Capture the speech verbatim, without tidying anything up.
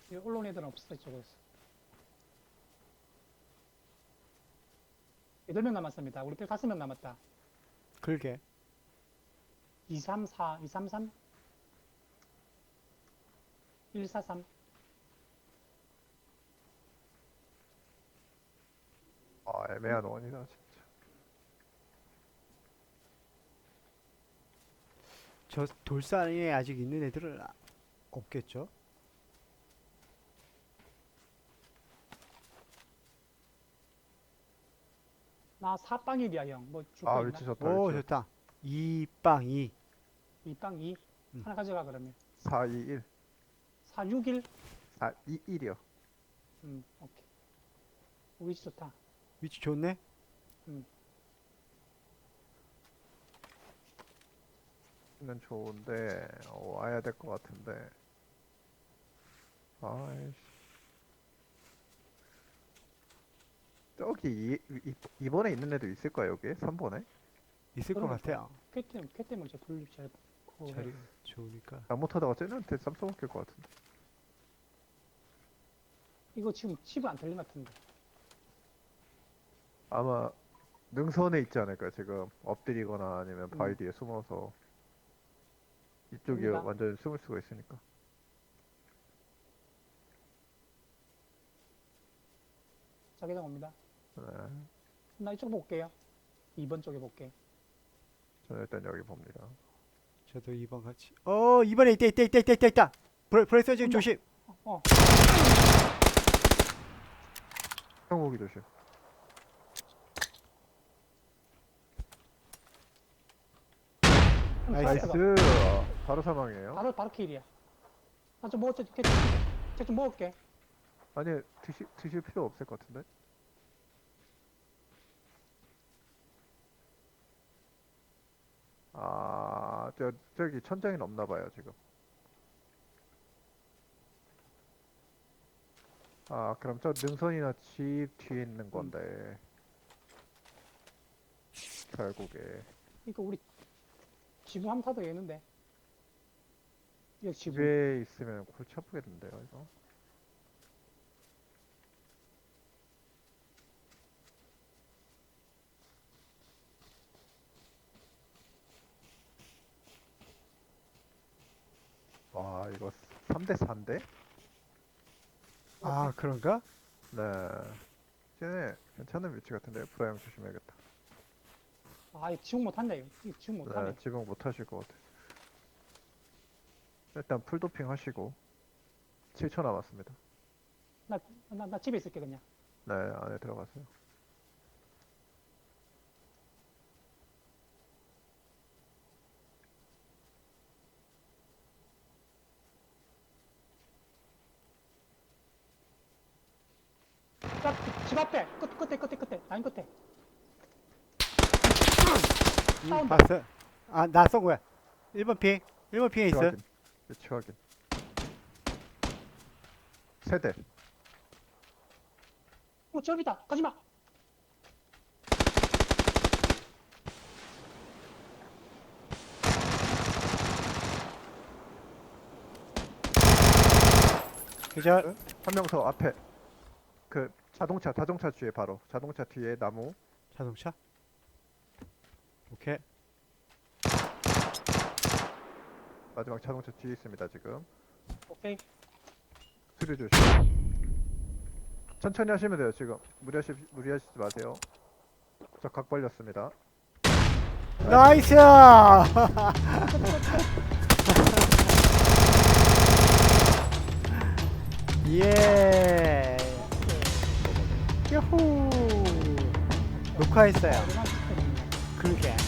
이 올라온 애들은 없어 이쪽에서. 여덟 명 남았습니다. 우리 편 다섯 명 남았다. 그러게. 이삼사, 이삼삼, 일사삼. 아, 애매한 원이다 진짜. 저 돌산에 아직 있는 애들은 아- 없겠죠? 나 사빵일이야 형. 뭐 줄 아, 거 위치 있나? 좋다. 오, 위치. 좋다. 이빵이. 이빵 이. 음. 하나 가져가 그러면. 사이일. 사육일. 사이일이요. 음, 오케이. 위치 좋다. 위치 좋네? 는 좋은데 어, 와야 될 것 같은데. 아이씨. 저기 이, 이, 이번에 있는 애도 있을 거야 여기? 삼 번에? 있을 것 그러면 같아요. 쾌 때문에 쾌 때문에 저 돌리 잘. 그거 자리 좋으니까. 잘못하다가 쟤네한테 쌈 써먹힐 것 같은데. 이거 지금 칩이 안 들린 것 같은데. 아마 능선에 있지 않을까 지금 엎드리거나 아니면 바위 음. 뒤에 숨어서 이쪽이 여기다. 완전 숨을 수가 있으니까. 자기장 옵니다. 네. 나 이쪽 볼게요. 이 번 쪽에 볼게. 저는 일단 여기 봅니다. 저도 이 번 같이. 어, 이번에 있다, 있다, 있다, 있다, 있다, 있다. 브레, 브레이스 지금 온다. 조심. 어, 어. 형무기 조심. 형, 나이스. 나이스. 아, 바로 사망이에요. 바로 바로 킬이야. 나좀 먹었지. 쟤좀 먹을게. 아니 드시, 드실 필요 없을 것 같은데. 아, 저 저기 천장이 없나 봐요 지금. 아, 그럼 저 능선이나 집 뒤에 있는 건데. 결국에 이거 우리 지붕 한번 타도 되겠는데. 여기 지붕. 집에 있으면 골치 아프겠는데요 이거. 와, 이거 삼 대 사인데? 아, 그런가? 네. 쟤네 괜찮은 위치 같은데 브라이언 조심해야겠다. 아, 이거 지붕 못 탄다 이거. 이거 지붕 못 타네. 네, 지붕 못 하실 것 같아. 일단 풀도핑 하시고 칠 초 남았습니다. 나, 나, 나 집에 있을게 그냥. 네, 안에 들어가세요. 딱, 집 앞에. 끝, 끝에, 끝에, 끝에. 라인 끝에. 음, 싸운다. 봤어. 아, 나 쏜 거야. 일 번 핑. 일 번 핑에 위치 있어. 확인. 위치 확인. 세대. 어, 저기다. 가지마. 그죠? 한 명 더 앞에. 그 자동차, 자동차 뒤에 바로. 자동차 뒤에 나무. 자동차. 오케이. 마지막 자동차 뒤에 있습니다 지금. 오케이. 수리 조심. 천천히 하시면 돼요 지금. 무리하시 무리하시지 마세요. 저 각 벌렸습니다. 나이스! 예. 야호. 녹화했어요. 얼마나 찍혔냐. 그러게.